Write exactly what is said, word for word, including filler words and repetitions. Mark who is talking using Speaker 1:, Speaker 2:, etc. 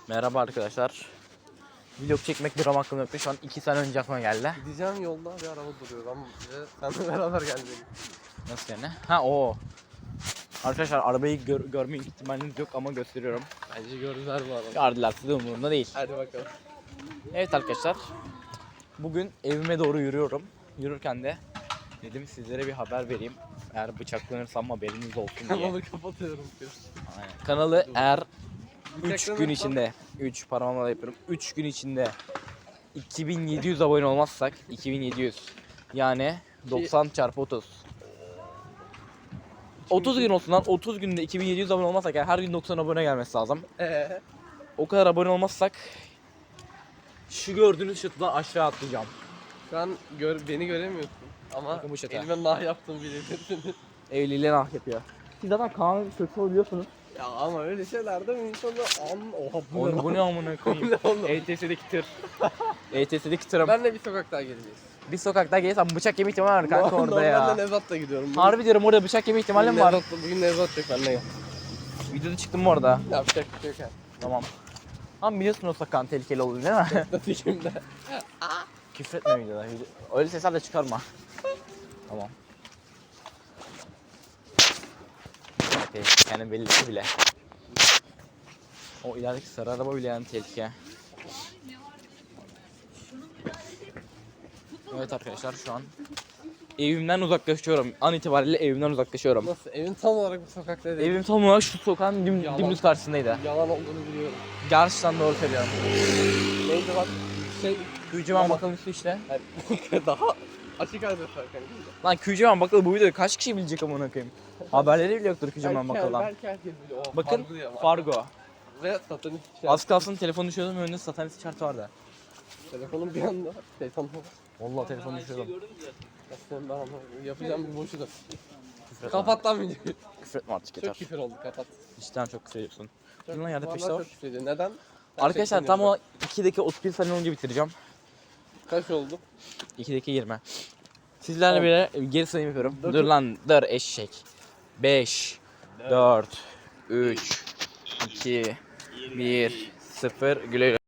Speaker 1: Merhaba arkadaşlar. Vlog çekmek bir aklım yoktu. Şu an iki sene önce aklıma geldi.
Speaker 2: Gideceğim yolda bir araba duruyor. Ben bize seninle beraber gelmeliyim.
Speaker 1: Nasıl yani? Ha o. Arkadaşlar arabayı gör, görme ihtimaliniz yok ama gösteriyorum.
Speaker 2: Bence gördüler bu arada.
Speaker 1: Gördüler, size umurumda değil.
Speaker 2: Hadi bakalım.
Speaker 1: Evet arkadaşlar. Bugün evime doğru yürüyorum. Yürürken de dedim sizlere bir haber vereyim. Eğer bıçaklanırsam haberiniz olsun diye.
Speaker 2: Kanalı kapatıyorum.
Speaker 1: Aynen. Kanalı eğer üç gün
Speaker 2: Bıçaklanırsam-
Speaker 1: içinde üç parmağımla yapıyorum. üç gün içinde iki bin yedi yüz abone olmazsak iki bin yedi yüz yani doksan çarpı otuz. otuz gün olsun lan. otuz günde iki bin yedi yüz abone olmazsak yani her gün doksan abone gelmesi lazım.
Speaker 2: Eee?
Speaker 1: O kadar abone olmazsak şu gördüğünüz şatıdan aşağı atlayacağım.
Speaker 2: Şu an gör, beni göremiyorsun. Ama
Speaker 1: Bakın bu şaka.
Speaker 2: elime nah yaptığımı bilebilirsiniz.
Speaker 1: Evliliğe nah yapıyor. Siz zaten Kaan'ın kötü oluyorsunuz.
Speaker 2: Ya ama öyle şeylerde mi insanı an... Oha bu
Speaker 1: Oğlum bu ne amına koyayım.
Speaker 2: ne oğlum?
Speaker 1: E T S'deki tır. E T S'deki tırım.
Speaker 2: Ben de bir sokak daha geleceğiz.
Speaker 1: Bir sokakta gelirsem bıçak yeme ihtimali var kanka orada ya.
Speaker 2: Normalde Nevzat'la gidiyorum. Bugün-
Speaker 1: Harbi diyorum orada bıçak yeme ihtimali mi var?
Speaker 2: Nevzat'la- Bugün Nevzat yok benimle gel.
Speaker 1: Videoda çıktım mı orada?
Speaker 2: Yapacak bir şey yok yani.
Speaker 1: Tamam. Ama biliyorsun o sokağın tehlikeli olduğunu değil mi?
Speaker 2: Nasıl şimdi?
Speaker 1: Küfretme videoda. Video- Öyle sesler de çıkarma. Tamam. Tehlikenin bellisi bile. O ilerideki sarı araba bile yani tehlike. Evet arkadaşlar şu an evimden uzaklaşıyorum. An itibariyle evimden uzaklaşıyorum.
Speaker 2: Nasıl? Evin tam olarak bu sokakta değil.
Speaker 1: Evim tam olarak şu sokağın dim,
Speaker 2: Yalan.
Speaker 1: dümdüz karşısındaydı.
Speaker 2: Yalan olduğunu biliyorum.
Speaker 1: Gerçekten doğru söylüyorum.
Speaker 2: Neydi bak? Şey...
Speaker 1: Kücümen bakalım üstü işte.
Speaker 2: Yani daha açık adres var kanka.
Speaker 1: Lan Kücümen bakalım bu videoyu kaç kişi bilecek amına koyayım. Haberleri bile yoktur Kücümen bakalım.
Speaker 2: Belki herkes biliyor. Oh,
Speaker 1: Bakın
Speaker 2: Fargo ya.
Speaker 1: Fargo.
Speaker 2: Ve satanist şey.
Speaker 1: Az kalsın telefonu düşüyordum önünde satanist şartı vardı.
Speaker 2: Telefonun bir anda. Telefon.
Speaker 1: Vallahi telefonu düşüyordum.
Speaker 2: Aslında ben anlamadım. Yapacağım bir boşu da.
Speaker 1: Küfür etme.
Speaker 2: Kapat lan videoyu.
Speaker 1: Küfür etme artık
Speaker 2: Çok
Speaker 1: yeter.
Speaker 2: küfür oldu kapat.
Speaker 1: Cidden çok küfür ediyorsun.
Speaker 2: Çok,
Speaker 1: Dur lan yerde
Speaker 2: bu
Speaker 1: peşte
Speaker 2: aralar
Speaker 1: var.
Speaker 2: çok küfür ediyor. Neden?
Speaker 1: Arkadaşlar tam o iki dakika otuz bir saniye önce bitireceğim.
Speaker 2: Kaç oldu?
Speaker 1: iki dakika yirmi. Sizlerle
Speaker 2: Tamam.
Speaker 1: bile geri sayım yapıyorum.
Speaker 2: Dur.
Speaker 1: Dur lan dur eşek. beş, dört, üç, iki, bir, sıfır güle güle.